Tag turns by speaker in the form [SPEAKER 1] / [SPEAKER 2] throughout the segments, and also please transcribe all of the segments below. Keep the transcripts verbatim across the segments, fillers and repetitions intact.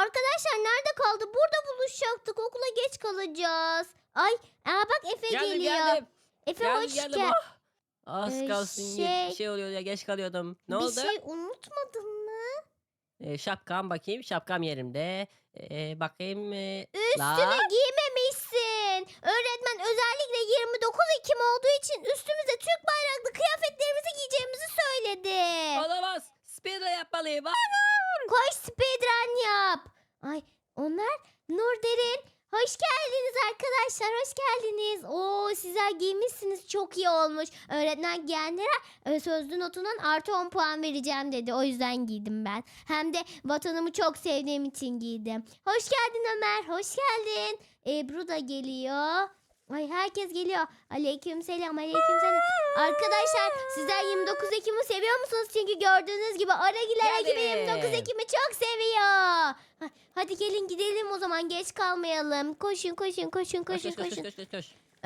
[SPEAKER 1] arkadaşlar nerede kaldı? Burada buluşacaktık. Okula geç kalacağız. Ay, aa bak Efe
[SPEAKER 2] Geldim
[SPEAKER 1] geliyor.
[SPEAKER 2] geldim.
[SPEAKER 1] Efe
[SPEAKER 2] Geldim
[SPEAKER 1] hoş
[SPEAKER 2] geldim.
[SPEAKER 1] gel.
[SPEAKER 2] Ah! Az
[SPEAKER 1] Ee,
[SPEAKER 2] kalsın ye-
[SPEAKER 1] şey-
[SPEAKER 2] şey oluyor ya geç kalıyordum. Ne
[SPEAKER 1] Bir
[SPEAKER 2] oldu?
[SPEAKER 1] şey unutmadın mı?
[SPEAKER 2] Ee, şapkam bakayım. Şapkam yerimde. Ee, bakayım. Ee,
[SPEAKER 1] Üstünü
[SPEAKER 2] la.
[SPEAKER 1] giymemişsin. Öğretmen özellikle yirmi dokuz Ekim olduğu için üstümüze Türk bayraklı kıyafetlerimizi giyeceğimizi söyledi.
[SPEAKER 2] Olamaz. Speedrun yapmalıyım. Ah!
[SPEAKER 1] Koş speedrun yap. Ay onlar Nur Derin. Hoş geldiniz arkadaşlar. Hoş geldiniz. Oo sizler giymişsiniz. Çok iyi olmuş. Öğretmen giyenlere e, sözlü notundan artı on puan vereceğim dedi. O yüzden giydim ben. Hem de vatanımı çok sevdiğim için giydim. Hoş geldin Ömer. Hoş geldin. Ebru da geliyor. Ay herkes geliyor. Aleykümselam, aleykümselam. Arkadaşlar sizler yirmi dokuz Ekim'i seviyor musunuz? Çünkü gördüğünüz gibi Aragiler ekibi yirmi dokuz
[SPEAKER 2] Geldim.
[SPEAKER 1] Ekim'i çok seviyor. Ha, hadi gelin gidelim o zaman, geç kalmayalım. Koşun koşun koşun
[SPEAKER 2] Koş
[SPEAKER 1] koşun
[SPEAKER 2] koş koş
[SPEAKER 1] koşun.
[SPEAKER 2] koş koş koş.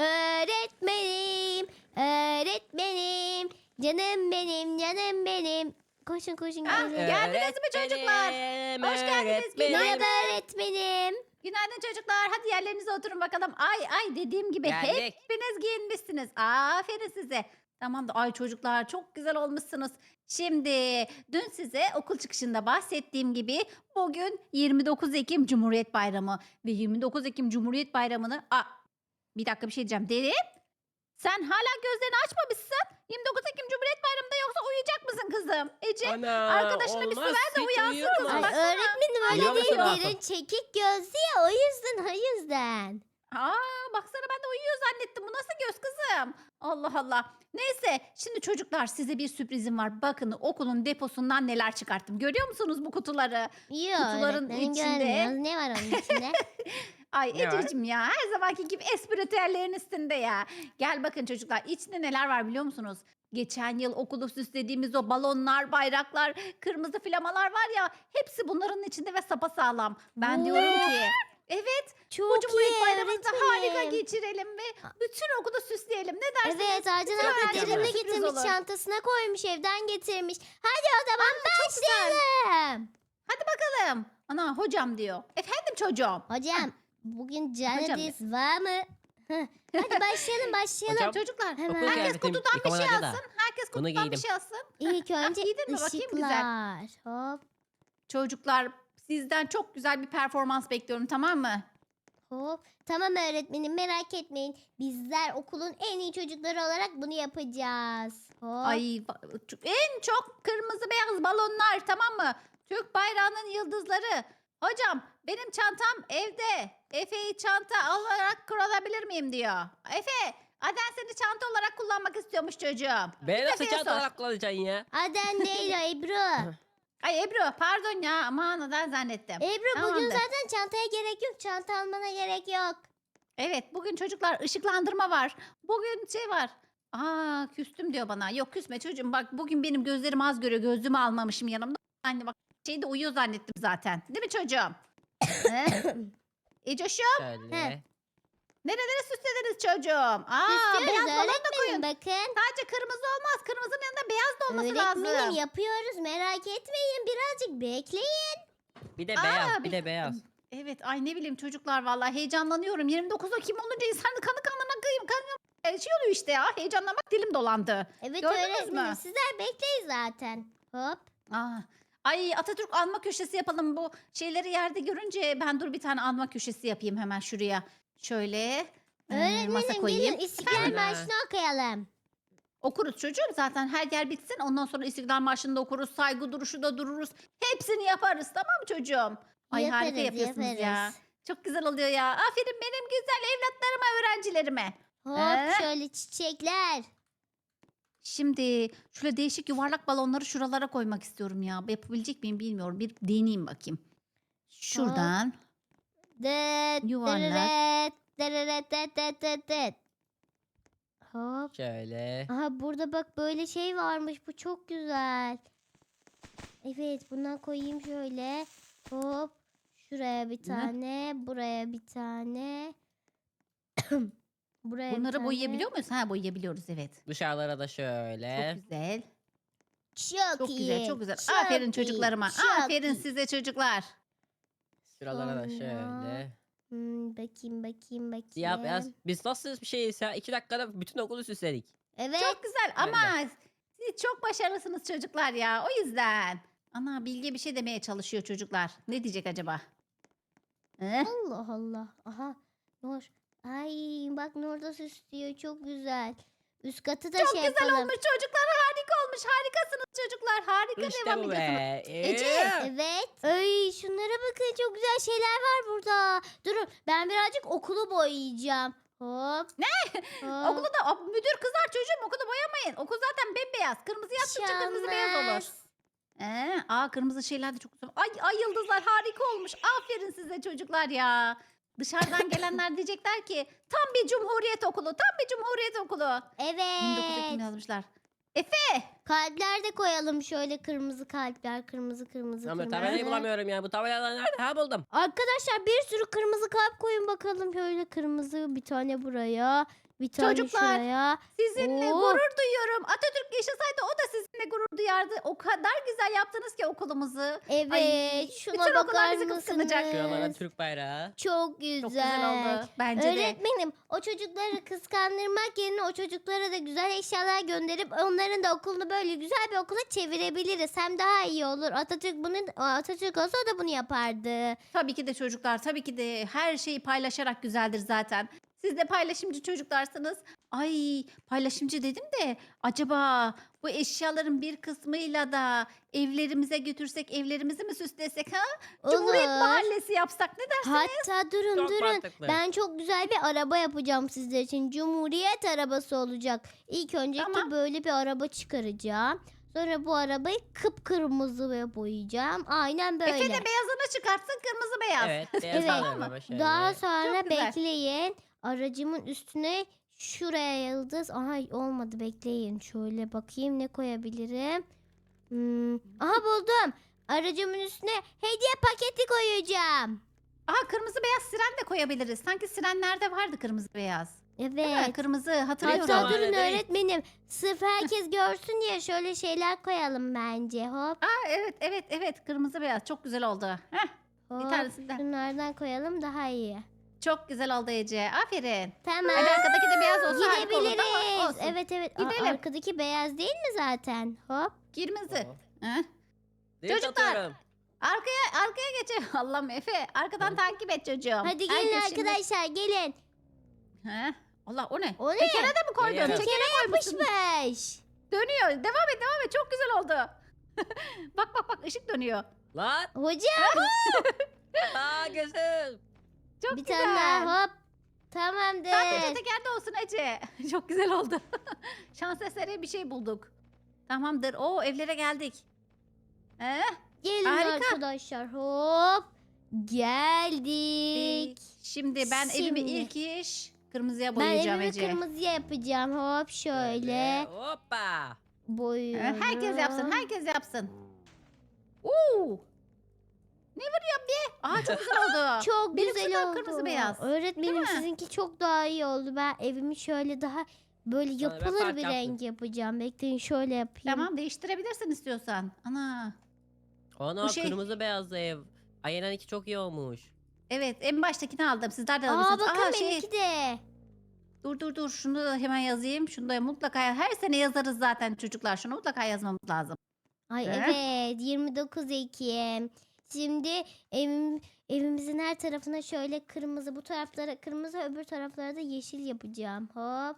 [SPEAKER 1] Öğretmenim, öğretmenim, canım benim, canım benim. Koşun koşun
[SPEAKER 3] Ah,
[SPEAKER 1] gidelim.
[SPEAKER 3] geldiniz mi çocuklar?
[SPEAKER 2] Öğretmenim,
[SPEAKER 3] Hoş geldiniz,
[SPEAKER 2] öğretmenim.
[SPEAKER 1] Merhaba öğretmenim.
[SPEAKER 3] Günaydın çocuklar. Hadi yerlerinize oturun bakalım. Ay ay dediğim gibi
[SPEAKER 2] Geldik.
[SPEAKER 3] hepiniz giyinmişsiniz. Aferin size. Tamam da ay çocuklar çok güzel olmuşsunuz. Şimdi dün size okul çıkışında bahsettiğim gibi bugün yirmi dokuz Ekim Cumhuriyet Bayramı ve yirmi dokuz Ekim Cumhuriyet Bayramı'nı Aa, bir dakika bir şey diyeceğim. Derin sen hala gözlerini açmamışsın. yirmi dokuz Ekim Cumhuriyet Bayramı'nda yoksa uyuyacak mısın kızım? Ece
[SPEAKER 2] Ana,
[SPEAKER 3] arkadaşına bir su
[SPEAKER 2] olmaz,
[SPEAKER 3] ver de
[SPEAKER 2] hiç
[SPEAKER 3] uyansın
[SPEAKER 2] uyuyamam.
[SPEAKER 3] kızım.
[SPEAKER 1] Ay,
[SPEAKER 3] Baksana.
[SPEAKER 1] öğretmenim öyle
[SPEAKER 2] Uyuyor
[SPEAKER 1] değil,
[SPEAKER 2] musun Asaf?
[SPEAKER 1] derin çekik gözlü ya, o yüzden o yüzden.
[SPEAKER 3] Aa, baksana ben de uyuyor zannettim. Bu nasıl göz kızım? Allah Allah. Neyse şimdi çocuklar size bir sürprizim var. Bakın okulun deposundan neler çıkarttım. Görüyor musunuz bu kutuları?
[SPEAKER 1] Yok
[SPEAKER 3] Kutuların
[SPEAKER 1] öğretmenim
[SPEAKER 3] içinde-
[SPEAKER 1] görmüyoruz. Ne var onun içinde?
[SPEAKER 3] Ay
[SPEAKER 2] Ne var?
[SPEAKER 3] Ececiğim ya her zamanki gibi espritüellerin üstünde ya. Gel bakın çocuklar içinde neler var biliyor musunuz? Geçen yıl okulu süslediğimiz o balonlar, bayraklar, kırmızı flamalar var ya hepsi bunların içinde ve sapasağlam. Ben
[SPEAKER 1] Oo.
[SPEAKER 3] diyorum ki evet
[SPEAKER 1] Çok
[SPEAKER 3] bu Cumhuriyet
[SPEAKER 1] iyi
[SPEAKER 3] Bayramı'nı da harika
[SPEAKER 1] öğretmenim.
[SPEAKER 3] geçirelim ve bütün okulu süsleyelim. Ne dersiniz?
[SPEAKER 1] Evet, Arcan
[SPEAKER 3] Bütün
[SPEAKER 1] abla
[SPEAKER 3] öğrencilere
[SPEAKER 1] derinle
[SPEAKER 3] sürpriz
[SPEAKER 1] getirmiş,
[SPEAKER 3] olur.
[SPEAKER 1] çantasına koymuş, evden getirmiş. Hadi o zaman
[SPEAKER 3] Çok güzel.
[SPEAKER 1] başlayalım.
[SPEAKER 3] Hadi bakalım. Ana hocam diyor. Efendim çocuğum.
[SPEAKER 1] Hocam bugün
[SPEAKER 3] Hocam
[SPEAKER 1] Canadis var mı? Heh, hadi başlayalım başlayalım.
[SPEAKER 2] Hocam,
[SPEAKER 3] Çocuklar
[SPEAKER 1] Hemen.
[SPEAKER 2] okul
[SPEAKER 3] herkes
[SPEAKER 2] kıyafetim
[SPEAKER 3] kutudan bir şey
[SPEAKER 2] yıkamadan da.
[SPEAKER 3] alsın. Herkes
[SPEAKER 2] Bunu
[SPEAKER 3] kutudan bir
[SPEAKER 2] giydim.
[SPEAKER 3] şey alsın.
[SPEAKER 1] İlk önce
[SPEAKER 3] giydin mi? Bakayım, güzel.
[SPEAKER 1] ışıklar. Hop
[SPEAKER 3] Çocuklar sizden çok güzel bir performans bekliyorum tamam mı?
[SPEAKER 1] hop. Tamam öğretmenim, merak etmeyin. Bizler okulun en iyi çocukları olarak bunu yapacağız. Hop.
[SPEAKER 3] Ay ba- ç- en çok kırmızı beyaz balonlar tamam mı? Türk bayrağının yıldızları. Hocam benim çantam evde. Efe'yi çanta olarak kullanabilir miyim diyor. Efe Aden seni çanta olarak kullanmak istiyormuş çocuğum.
[SPEAKER 2] Ben nasıl
[SPEAKER 3] Efe'ye
[SPEAKER 2] çanta
[SPEAKER 3] sor.
[SPEAKER 2] olarak kullanacaksın ya?
[SPEAKER 1] Aden değil o, Ebru.
[SPEAKER 3] Ay Ebru pardon ya aman Aden zannettim.
[SPEAKER 1] Ebru bugün
[SPEAKER 3] Tamamdır.
[SPEAKER 1] zaten çantaya gerek yok. Çanta almana gerek yok.
[SPEAKER 3] Evet bugün çocuklar ışıklandırma var. Bugün şey var. Aa küstüm diyor bana. Yok küsme çocuğum bak bugün benim gözlerim az görüyor. Gözlüğümü almamışım yanımda. Anne bak şeyde uyuyor zannettim zaten. Değil mi çocuğum? He? Ecoşum
[SPEAKER 2] Şöyle.
[SPEAKER 1] He.
[SPEAKER 3] nerelere süslediniz çocuğum? Aa
[SPEAKER 1] İstiyoruz
[SPEAKER 3] beyaz balon da
[SPEAKER 1] öğretmenim,
[SPEAKER 3] koyun.
[SPEAKER 1] bakın.
[SPEAKER 3] Sadece kırmızı olmaz. Kırmızının yanında beyaz da olması
[SPEAKER 1] Öğretmenim
[SPEAKER 3] lazım.
[SPEAKER 1] yapıyoruz, merak etmeyin, birazcık bekleyin.
[SPEAKER 2] Bir de
[SPEAKER 3] Aa,
[SPEAKER 2] beyaz, bir
[SPEAKER 3] bir-
[SPEAKER 2] de beyaz.
[SPEAKER 3] Evet ay ne bileyim çocuklar vallahi heyecanlanıyorum. yirmi dokuz Ekim olunca insanın kanı kanına kıyım kanıyor. Şey oluyor işte ya heyecanlamak dilim dolandı.
[SPEAKER 1] Evet
[SPEAKER 3] Gördünüz
[SPEAKER 1] öğretmenim,
[SPEAKER 3] mü?
[SPEAKER 1] sizler bekleyin zaten. Hop.
[SPEAKER 3] Aa, ay Atatürk anma köşesi yapalım bu şeyleri yerde görünce ben dur bir tane anma köşesi yapayım hemen şuraya. Şöyle e, masa
[SPEAKER 1] Öğretmenim
[SPEAKER 3] koyayım.
[SPEAKER 1] gelin İstiklal
[SPEAKER 2] Efendim?
[SPEAKER 1] Marşı'nı okuyalım.
[SPEAKER 3] Okuruz çocuğum zaten her yer bitsin ondan sonra İstiklal Marşı'nı da okuruz saygı duruşu da dururuz. Hepsini yaparız tamam mı çocuğum? Ay harika
[SPEAKER 1] Yaparız,
[SPEAKER 3] yapıyorsunuz ya.
[SPEAKER 1] yaparız.
[SPEAKER 3] Çok güzel oluyor ya. Aferin benim güzel evlatlarıma öğrencilerime.
[SPEAKER 1] Hop
[SPEAKER 3] Ee?
[SPEAKER 1] şöyle çiçekler.
[SPEAKER 3] Şimdi şöyle değişik yuvarlak balonları şuralara koymak istiyorum ya. Yapabilecek miyim bilmiyorum. Bir deneyeyim bakayım. Şuradan.
[SPEAKER 1] Dıt,
[SPEAKER 3] Yuvarlak.
[SPEAKER 1] dırırıt, dırırıt, dıt, dıt, dıt, dıt. Hop.
[SPEAKER 2] Şöyle.
[SPEAKER 1] Aha burada bak böyle şey varmış. Bu çok güzel. Evet bundan koyayım şöyle. Hop. Şuraya bir tane. Buraya bir tane. Buraya bir
[SPEAKER 3] Bunları
[SPEAKER 1] tane.
[SPEAKER 3] boyayabiliyor muyuz? Ha boyayabiliyoruz evet.
[SPEAKER 2] Dışarılara da şöyle.
[SPEAKER 3] Çok güzel.
[SPEAKER 1] Çok,
[SPEAKER 3] Çok
[SPEAKER 1] iyi.
[SPEAKER 3] güzel, çok güzel.
[SPEAKER 1] çok
[SPEAKER 3] Aferin
[SPEAKER 1] iyi,
[SPEAKER 3] çocuklarıma.
[SPEAKER 1] çok
[SPEAKER 3] Aferin
[SPEAKER 1] iyi.
[SPEAKER 3] size çocuklar.
[SPEAKER 2] Şuralara da
[SPEAKER 1] Sonra-
[SPEAKER 2] şöyle.
[SPEAKER 1] Hmm, bakayım bakayım bakayım.
[SPEAKER 2] Siyah beyaz. Biz nasıl bir şeyiz ya? İki dakikada bütün okulu süsledik.
[SPEAKER 1] Evet.
[SPEAKER 3] Çok güzel
[SPEAKER 2] Ben de.
[SPEAKER 3] ama siz çok başarılısınız çocuklar ya. O yüzden. Ana Bilge bir şey demeye çalışıyor çocuklar. Ne diyecek acaba? Eh?
[SPEAKER 1] Allah Allah. Aha. Nur. Ay bak Nur da süslüyor. Çok güzel. Üst katı da
[SPEAKER 3] Çok
[SPEAKER 1] şey
[SPEAKER 3] güzel
[SPEAKER 1] yapalım.
[SPEAKER 3] olmuş çocuklar. Harika olmuş. Harikasınız çocuklar. Harika
[SPEAKER 2] İşte
[SPEAKER 3] devam
[SPEAKER 2] bu
[SPEAKER 3] ediyorsunuz.
[SPEAKER 2] be.
[SPEAKER 3] Ece.
[SPEAKER 2] Ee,
[SPEAKER 1] Evet. Ay şunlara bakın çok güzel şeyler var burada. Durun ben birazcık okulu boyayacağım. Hop.
[SPEAKER 3] Ne?
[SPEAKER 1] Hop.
[SPEAKER 3] Okulu da o, müdür kızar çocuğum okulu boyamayın. Okul zaten bembeyaz. Kırmızı yaptıkça kırmızı beyaz olur.
[SPEAKER 1] Şanmaz.
[SPEAKER 3] Ee, aa kırmızı şeyler de çok güzel. Ay, ay yıldızlar harika olmuş. Aferin size çocuklar ya. Dışarıdan gelenler diyecekler ki tam bir cumhuriyet okulu. Tam bir cumhuriyet okulu. yirmi dokuz Ekim
[SPEAKER 1] Evet.
[SPEAKER 3] yazmışlar. Efe.
[SPEAKER 1] Kalpler de koyalım şöyle kırmızı kalpler. Kırmızı kırmızı
[SPEAKER 2] Ama
[SPEAKER 1] kırmızı.
[SPEAKER 2] tabelayı bulamıyorum ya. Bu tabelalar nerede? Ha buldum.
[SPEAKER 1] Arkadaşlar bir sürü kırmızı kalp koyun bakalım. Şöyle kırmızı bir tane buraya. Bir tane
[SPEAKER 3] Çocuklar,
[SPEAKER 1] şuraya.
[SPEAKER 3] Sizinle
[SPEAKER 1] Oo.
[SPEAKER 3] gurur duyuyorum. Atatürk yaşasaydı o da sizinle gurur duyardı. O kadar güzel yaptınız ki okulumuzu.
[SPEAKER 1] Evet.
[SPEAKER 3] Ay,
[SPEAKER 1] şuna
[SPEAKER 3] bütün okullar
[SPEAKER 1] bakar
[SPEAKER 3] bizi kıskanacak.
[SPEAKER 1] mısınız?
[SPEAKER 2] Şuralara Türk bayrağı.
[SPEAKER 1] Çok güzel.
[SPEAKER 3] Çok güzel oldu. Bence de.
[SPEAKER 1] Öğretmenim o çocukları kıskandırmak yerine o çocuklara da güzel eşyalar gönderip onların da okulunu böyle güzel bir okula çevirebiliriz. Hem daha iyi olur. Atatürk bunu Atatürk olsa o da bunu yapardı.
[SPEAKER 3] Tabii ki de çocuklar, tabii ki de her şeyi paylaşarak güzeldir zaten. Siz de paylaşımcı çocuklarsınız. Ay paylaşımcı dedim de acaba bu eşyaların bir kısmıyla da evlerimize götürsek evlerimizi mi süslesek ha? Cumhuriyet
[SPEAKER 1] Olur.
[SPEAKER 3] Mahallesi yapsak ne dersin?
[SPEAKER 1] Hatta durun
[SPEAKER 2] Çok
[SPEAKER 1] durun.
[SPEAKER 2] mantıklı.
[SPEAKER 1] Ben çok güzel bir araba yapacağım sizler için. Cumhuriyet arabası olacak. İlk önce
[SPEAKER 3] Tamam.
[SPEAKER 1] böyle bir araba çıkaracağım. Sonra bu arabayı kıpkırmızı ve boyayacağım. Aynen böyle.
[SPEAKER 3] Efe de beyazını çıkartsın kırmızı beyaz.
[SPEAKER 2] Evet. Beyaz
[SPEAKER 1] Evet.
[SPEAKER 2] alıyorum ama şöyle.
[SPEAKER 1] Daha sonra
[SPEAKER 3] Çok güzel.
[SPEAKER 1] bekleyin. Aracımın üstüne şuraya yıldız. Aha olmadı bekleyin. Şöyle bakayım ne koyabilirim. Hmm. Aha buldum. Aracımın üstüne hediye paketi koyacağım.
[SPEAKER 3] Aha kırmızı beyaz siren de koyabiliriz. Sanki sirenlerde vardı kırmızı beyaz. Değil mi?
[SPEAKER 1] Evet.
[SPEAKER 3] Kırmızı hatırlıyorum.
[SPEAKER 1] Hatta
[SPEAKER 2] Tamam,
[SPEAKER 1] durun
[SPEAKER 2] öyle değil.
[SPEAKER 1] öğretmenim. Sırf herkes görsün diye şöyle şeyler koyalım bence. Hop
[SPEAKER 3] Aa, evet evet evet kırmızı beyaz çok güzel oldu. Heh, bir
[SPEAKER 1] hop.
[SPEAKER 3] tanesinden.
[SPEAKER 1] Şunlardan koyalım daha iyi.
[SPEAKER 3] Çok güzel oldu Ece. Aferin.
[SPEAKER 1] Tamam.
[SPEAKER 3] Hadi arkadaki de beyaz olsa harika olurdu ama
[SPEAKER 1] Gidebiliriz.
[SPEAKER 3] olsun.
[SPEAKER 1] Evet evet. Aa,
[SPEAKER 3] Gidelim.
[SPEAKER 1] arkadaki beyaz değil mi zaten? Hop.
[SPEAKER 3] Kırmızı.
[SPEAKER 2] Hop.
[SPEAKER 3] Heh.
[SPEAKER 2] Drift
[SPEAKER 3] Çocuklar,
[SPEAKER 2] atıyorum.
[SPEAKER 3] Arkaya arkaya geçelim. Allah'ım Efe arkadan
[SPEAKER 2] Hı.
[SPEAKER 3] takip et çocuğum.
[SPEAKER 1] Hadi gelin
[SPEAKER 3] Herkes şimdi-
[SPEAKER 1] arkadaşlar gelin.
[SPEAKER 3] Heh. Allah o ne?
[SPEAKER 1] O ne?
[SPEAKER 3] Tekere de mi koydun?
[SPEAKER 2] Geliyorum.
[SPEAKER 3] Tekere koymuşsun.
[SPEAKER 1] Yapışmış.
[SPEAKER 3] Dönüyor. Devam et devam et. Çok güzel oldu. bak bak bak ışık dönüyor.
[SPEAKER 2] Lan.
[SPEAKER 1] Hocam
[SPEAKER 2] Aa gözüm.
[SPEAKER 3] Çok
[SPEAKER 1] bir
[SPEAKER 3] güzel.
[SPEAKER 1] tane daha hop.
[SPEAKER 3] Sadece
[SPEAKER 1] Tamamdır.
[SPEAKER 3] tekerde olsun Ece. Çok güzel oldu. Şans eseri bir şey bulduk. Tamamdır. Oo evlere geldik. Ee,
[SPEAKER 1] Gelin
[SPEAKER 3] Harika.
[SPEAKER 1] arkadaşlar hop. Geldik.
[SPEAKER 3] şimdi ben evimi
[SPEAKER 1] Şimdi.
[SPEAKER 3] ilk iş kırmızıya
[SPEAKER 1] Ben
[SPEAKER 3] boyayacağım
[SPEAKER 1] evimi
[SPEAKER 3] Ece.
[SPEAKER 1] kırmızıya yapacağım. Hop şöyle
[SPEAKER 2] Hoppa.
[SPEAKER 3] Ee,
[SPEAKER 1] boyuyorum.
[SPEAKER 3] herkes yapsın, herkes yapsın. Oo! Ne vuruyorum be? Aa çok güzel oldu.
[SPEAKER 1] Çok
[SPEAKER 3] Benimkisi
[SPEAKER 1] güzel
[SPEAKER 3] de
[SPEAKER 1] oldu.
[SPEAKER 3] kırmızı beyaz.
[SPEAKER 1] Öğretmenim
[SPEAKER 3] mi?
[SPEAKER 1] sizinki çok daha iyi oldu. Ben evimi şöyle daha böyle
[SPEAKER 2] Sonra ben
[SPEAKER 1] yapılır
[SPEAKER 2] fark
[SPEAKER 1] bir
[SPEAKER 2] yaptım.
[SPEAKER 1] renk yapacağım. Bekleyin şöyle yapayım.
[SPEAKER 3] Tamam değiştirebilirsin istiyorsan. Ana.
[SPEAKER 2] Ana
[SPEAKER 3] Bu şey-
[SPEAKER 2] kırmızı beyazlı ev. Aynen iki çok iyi olmuş.
[SPEAKER 3] Evet en baştakini aldım. Sizler de
[SPEAKER 1] Aa
[SPEAKER 3] alabilirsiniz.
[SPEAKER 1] bakın
[SPEAKER 3] Aa, şey,
[SPEAKER 1] benimki de.
[SPEAKER 3] dur dur dur şunu da hemen yazayım. Şunu da mutlaka her sene yazarız zaten çocuklar. Şunu mutlaka yazmamız lazım.
[SPEAKER 1] Ay
[SPEAKER 3] He?
[SPEAKER 1] evet yirmi dokuz Ekim. Şimdi evim, evimizin her tarafına şöyle kırmızı bu taraflara kırmızı öbür taraflara da yeşil yapacağım. Hop.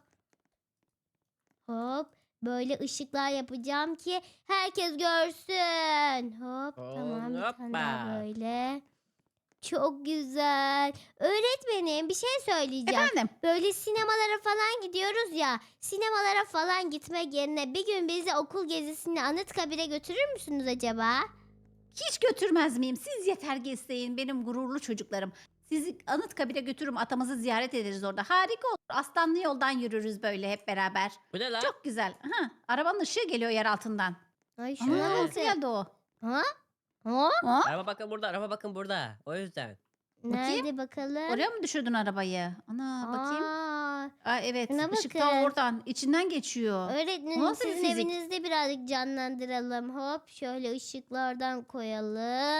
[SPEAKER 1] Hop. Böyle ışıklar yapacağım ki herkes görsün. Hop tamam bir tane daha
[SPEAKER 2] Hoppa.
[SPEAKER 1] böyle. Çok güzel. Öğretmenim bir şey söyleyeceğim.
[SPEAKER 3] Efendim?
[SPEAKER 1] Böyle sinemalara falan gidiyoruz ya. Sinemalara falan gitmek yerine bir gün bizi okul gezisine Anıtkabir'e götürür müsünüz acaba?
[SPEAKER 3] Hiç götürmez miyim? Siz yeter gezseyin benim gururlu çocuklarım. Sizi Anıtkabir'e götürürüm. Atamızı ziyaret ederiz orada. Harika olur. Aslanlı yoldan yürürüz böyle hep beraber.
[SPEAKER 2] Bu ne lan?
[SPEAKER 3] Çok güzel. Ha, arabanın ışığı geliyor yer altından.
[SPEAKER 1] Ay
[SPEAKER 3] Ama
[SPEAKER 1] şuna
[SPEAKER 2] Evet.
[SPEAKER 3] nasıl
[SPEAKER 1] bakın.
[SPEAKER 3] geldi o?
[SPEAKER 1] Ha? Ha?
[SPEAKER 3] Ha?
[SPEAKER 2] Araba bakın burada, araba bakın burada. O yüzden.
[SPEAKER 3] Bakayım.
[SPEAKER 1] Nerede bakalım?
[SPEAKER 3] Oraya mı düşürdün arabayı? Ana bakayım.
[SPEAKER 1] Aa,
[SPEAKER 3] Aa, evet.
[SPEAKER 1] şuna
[SPEAKER 3] Işık
[SPEAKER 1] bakın.
[SPEAKER 3] ta oradan. içinden geçiyor.
[SPEAKER 1] öğretmenim
[SPEAKER 3] Nasıl bir
[SPEAKER 1] sizin
[SPEAKER 3] fizik?
[SPEAKER 1] evinizde birazcık canlandıralım. Hop şöyle ışıklardan koyalım.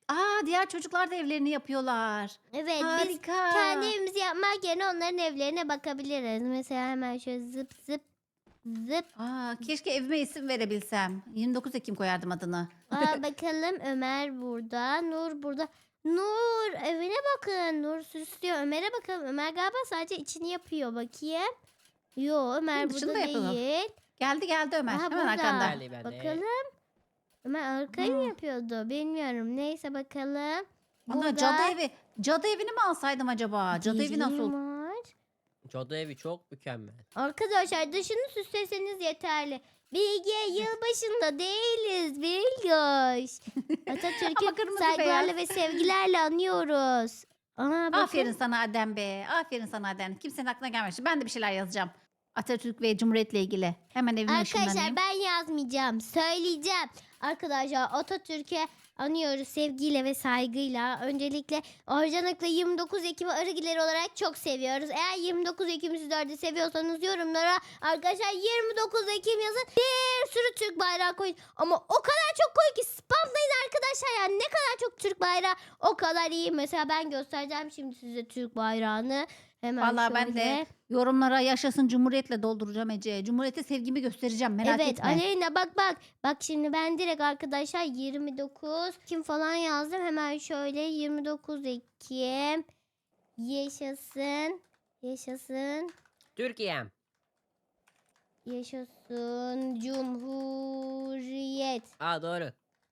[SPEAKER 3] Aa, diğer çocuklar da evlerini yapıyorlar.
[SPEAKER 1] Evet biz
[SPEAKER 3] Harika.
[SPEAKER 1] kendi evimizi yapmak yerine onların evlerine bakabiliriz. Mesela hemen şöyle zıp zıp zıp.
[SPEAKER 3] Aa, keşke evime isim verebilsem. yirmi dokuz Ekim koyardım adını.
[SPEAKER 1] Aa, bakalım Ömer burada. Nur burada. Nur evine bakın. Nur süslüyor. Ömer'e bakalım. Ömer galiba sadece içini yapıyor. Bakayım. Yo Ömer
[SPEAKER 3] Hı, dışını
[SPEAKER 1] burada
[SPEAKER 3] da yapalım.
[SPEAKER 1] değil.
[SPEAKER 3] Geldi geldi Ömer.
[SPEAKER 1] Aha,
[SPEAKER 3] Hemen
[SPEAKER 1] burada.
[SPEAKER 3] arkanda.
[SPEAKER 2] Geldi ben de.
[SPEAKER 1] Bakalım. Ömer arkayı mı
[SPEAKER 3] Aa.
[SPEAKER 1] yapıyordu? Bilmiyorum. Neyse bakalım.
[SPEAKER 3] Ana, cadı evi. Cadı evini mi alsaydım acaba? Cadı evi
[SPEAKER 1] Deri
[SPEAKER 3] nasıl?
[SPEAKER 1] var.
[SPEAKER 2] Cadı evi çok mükemmel.
[SPEAKER 1] Arkadaşlar dışını süsleseniz yeterli. Bilge yılbaşında değiliz Bilgoş.
[SPEAKER 3] Ama
[SPEAKER 1] Atatürk'ü
[SPEAKER 3] kırmızı
[SPEAKER 1] saygılarla
[SPEAKER 3] beyaz.
[SPEAKER 1] ve sevgilerle anıyoruz. Aa, bakın.
[SPEAKER 3] Aferin sana Adem be. Aferin sana Adem. Kimsenin aklına gelmemiş. Ben de bir şeyler yazacağım. Atatürk ve Cumhuriyet'le ilgili. Hemen evime
[SPEAKER 1] Arkadaşlar
[SPEAKER 3] ışınlanayım.
[SPEAKER 1] ben yazmayacağım. Söyleyeceğim. Arkadaşlar Atatürk'e anıyoruz sevgiyle ve saygıyla. Öncelikle Orcanik'le yirmi dokuz Ekim'i Arıgileri olarak çok seviyoruz. Eğer yirmi dokuz Ekim'i sizler de seviyorsanız yorumlara arkadaşlar yirmi dokuz Ekim yazın. Bir sürü Türk bayrağı koyun. Ama o kadar çok koyun ki spamlayın arkadaşlar. Yani ne kadar çok Türk bayrağı o kadar iyi. Mesela ben göstereceğim şimdi size Türk bayrağını. Hemen
[SPEAKER 3] Vallahi ben de
[SPEAKER 1] şöyle.
[SPEAKER 3] yorumlara yaşasın Cumhuriyet'le dolduracağım Ece. Cumhuriyete sevgimi göstereceğim, merak
[SPEAKER 1] Evet
[SPEAKER 3] etme.
[SPEAKER 1] Aleyna bak bak. Bak şimdi ben direkt arkadaşlar yirmi dokuz Ekim falan yazdım. Hemen şöyle yirmi dokuz Ekim yaşasın. Yaşasın.
[SPEAKER 2] Türkiye'm.
[SPEAKER 1] Yaşasın Cumhuriyet.
[SPEAKER 2] Aa doğru.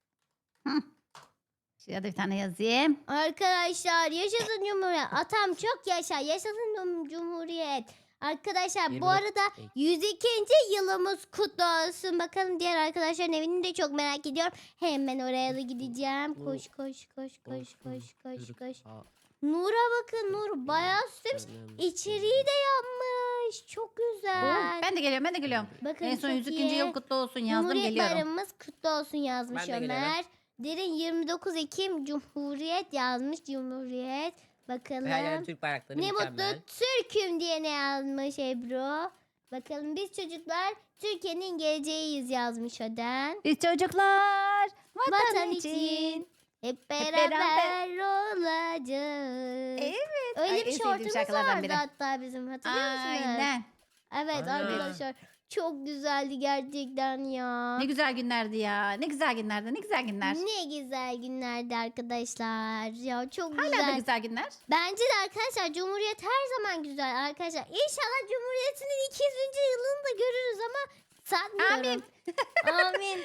[SPEAKER 3] Şuraya da bir tane yazayım.
[SPEAKER 1] Arkadaşlar yaşasın Cumhuriyet. Atam çok yaşa. Yaşasın cum- Cumhuriyet. Arkadaşlar bu
[SPEAKER 2] yirmi dokuz
[SPEAKER 1] arada
[SPEAKER 2] Ekim.
[SPEAKER 1] yüz ikinci yılımız kutlu olsun. Bakalım diğer arkadaşların evini de çok merak ediyorum. Hemen oraya da gideceğim.
[SPEAKER 2] Bu-
[SPEAKER 1] Koş koş koş koş koş koş
[SPEAKER 2] Türk-
[SPEAKER 1] koş.
[SPEAKER 2] Aa,
[SPEAKER 1] Nur'a bakın, Nur bayağı süslemiş.
[SPEAKER 2] canım.
[SPEAKER 1] İçeriği de yapmış. Çok güzel.
[SPEAKER 3] Ben de geliyorum, ben de geliyorum.
[SPEAKER 1] Bakın
[SPEAKER 3] En son
[SPEAKER 1] çok
[SPEAKER 3] yüz ikinci
[SPEAKER 1] iyi.
[SPEAKER 3] yıl kutlu olsun yazdım,
[SPEAKER 1] Cumhuriyet
[SPEAKER 3] geliyorum.
[SPEAKER 1] Bayramımız kutlu olsun yazmış
[SPEAKER 2] Ben de geliyorum.
[SPEAKER 1] Ömer. Derin yirmi dokuz Ekim Cumhuriyet yazmış. Cumhuriyet. Bakalım.
[SPEAKER 2] Ve her yer Türk bayrakları
[SPEAKER 1] Ne
[SPEAKER 2] mükemmel.
[SPEAKER 1] mutlu Türk'üm diye ne yazmış Ebru. Bakalım biz çocuklar Türkiye'nin geleceğiyiz yazmış Öden.
[SPEAKER 3] Biz çocuklar vatan,
[SPEAKER 1] Vatan
[SPEAKER 3] için.
[SPEAKER 1] için hep
[SPEAKER 3] beraber.
[SPEAKER 1] beraber olacağız.
[SPEAKER 3] Evet.
[SPEAKER 1] Öyle
[SPEAKER 3] Ay,
[SPEAKER 1] bir
[SPEAKER 3] en sevdiğim
[SPEAKER 1] şortumuz
[SPEAKER 3] şarkılardan
[SPEAKER 1] vardı
[SPEAKER 3] biri.
[SPEAKER 1] hatta bizim, hatırlıyor musunuz?
[SPEAKER 3] Aynen.
[SPEAKER 1] Evet
[SPEAKER 2] Aynen.
[SPEAKER 1] arkadaşlar çok güzeldi gerçekten ya.
[SPEAKER 3] Ne güzel günlerdi ya. Ne güzel günlerdi. Ne güzel günler.
[SPEAKER 1] Ne güzel günlerdi arkadaşlar. Ya çok
[SPEAKER 3] Hala da
[SPEAKER 1] güzel.
[SPEAKER 3] güzel günler.
[SPEAKER 1] Bence de arkadaşlar Cumhuriyet her zaman güzel arkadaşlar. İnşallah Cumhuriyet'in iki yüzüncü yılını da görürüz ama sanmıyorum. Amin.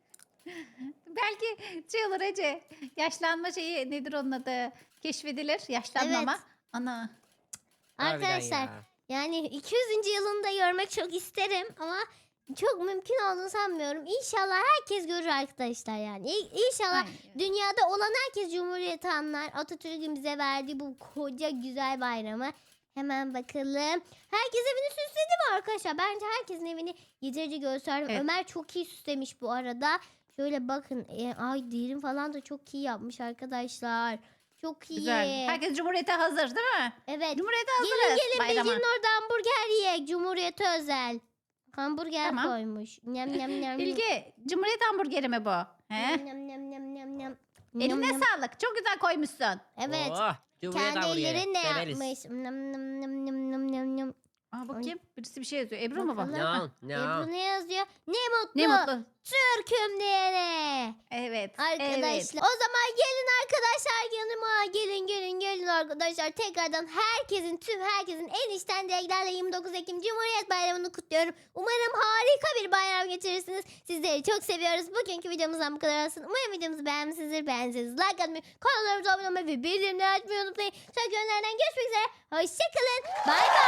[SPEAKER 3] Belki şey olur Ece. Yaşlanma şeyi nedir onun adı? Keşfedilir. Yaşlanmama.
[SPEAKER 1] Evet.
[SPEAKER 3] Ana.
[SPEAKER 2] Harbiden
[SPEAKER 1] Arkadaşlar
[SPEAKER 2] ya.
[SPEAKER 1] yani iki yüzüncü yılını da görmek çok isterim ama çok mümkün olduğunu sanmıyorum. İnşallah herkes görür arkadaşlar yani. İ- İnşallah
[SPEAKER 3] Ay.
[SPEAKER 1] dünyada olan herkes Cumhuriyeti anlar. Atatürk'ün bize verdiği bu koca güzel bayramı. Hemen bakalım. Herkes evini süsledi mi arkadaşlar? Bence herkesin evini yeterince gösterdim.
[SPEAKER 3] Evet.
[SPEAKER 1] Ömer çok iyi süslemiş bu arada. Şöyle bakın. E, ay derin falan da çok iyi yapmış arkadaşlar. Çok iyi.
[SPEAKER 3] Güzel. Herkes Cumhuriyete hazır değil mi?
[SPEAKER 1] Evet.
[SPEAKER 3] Cumhuriyete
[SPEAKER 1] Gelin
[SPEAKER 3] hazırız.
[SPEAKER 1] gelin
[SPEAKER 3] bayrama.
[SPEAKER 1] Bilge'nin orada hamburger yiyek. Cumhuriyete özel. Hamburger
[SPEAKER 3] Tamam.
[SPEAKER 1] koymuş. Nyam nyam nyam.
[SPEAKER 3] Bilge, Cumhuriyet hamburgeri mi bu? He?
[SPEAKER 1] Nyam nyam nyam nyam nyam nyam.
[SPEAKER 3] Eline
[SPEAKER 1] Nyam nyam.
[SPEAKER 3] sağlık. Çok güzel koymuşsun.
[SPEAKER 1] Evet.
[SPEAKER 2] Oh, Cumhuriyet
[SPEAKER 1] Kendi
[SPEAKER 2] hamburgeri.
[SPEAKER 1] ellerinle
[SPEAKER 2] Severiz.
[SPEAKER 1] yapmış. Nyam nyam nyam nyam nyam nyam nyam.
[SPEAKER 3] Aa, bakayım. Birisi bir şey yazıyor. Ebru mu bu?
[SPEAKER 1] Bakalım.
[SPEAKER 2] No, no.
[SPEAKER 1] Ebru ne yazıyor? Ne mutlu.
[SPEAKER 3] Ne mutlu.
[SPEAKER 1] Türk'üm diyene.
[SPEAKER 3] Evet.
[SPEAKER 1] Arkadaşlar.
[SPEAKER 3] Evet.
[SPEAKER 1] O zaman gelin arkadaşlar yanıma. Gelin gelin gelin arkadaşlar. Tekrardan herkesin tüm herkesin en içten dileklerle yirmi dokuz Ekim Cumhuriyet Bayramı'nı kutluyorum. Umarım harika bir bayram geçirirsiniz. Sizleri çok seviyoruz. Bugünkü videomuzdan bu kadar olsun. Umarım videomuzu beğenmişsinizdir. Beğendiyseniz like atmayı, kanallarımıza abone olmayı ve bildirimleri açmayı unutmayın. Sonraki günlerden görüşmek üzere. Hoşçakalın. Bay bay.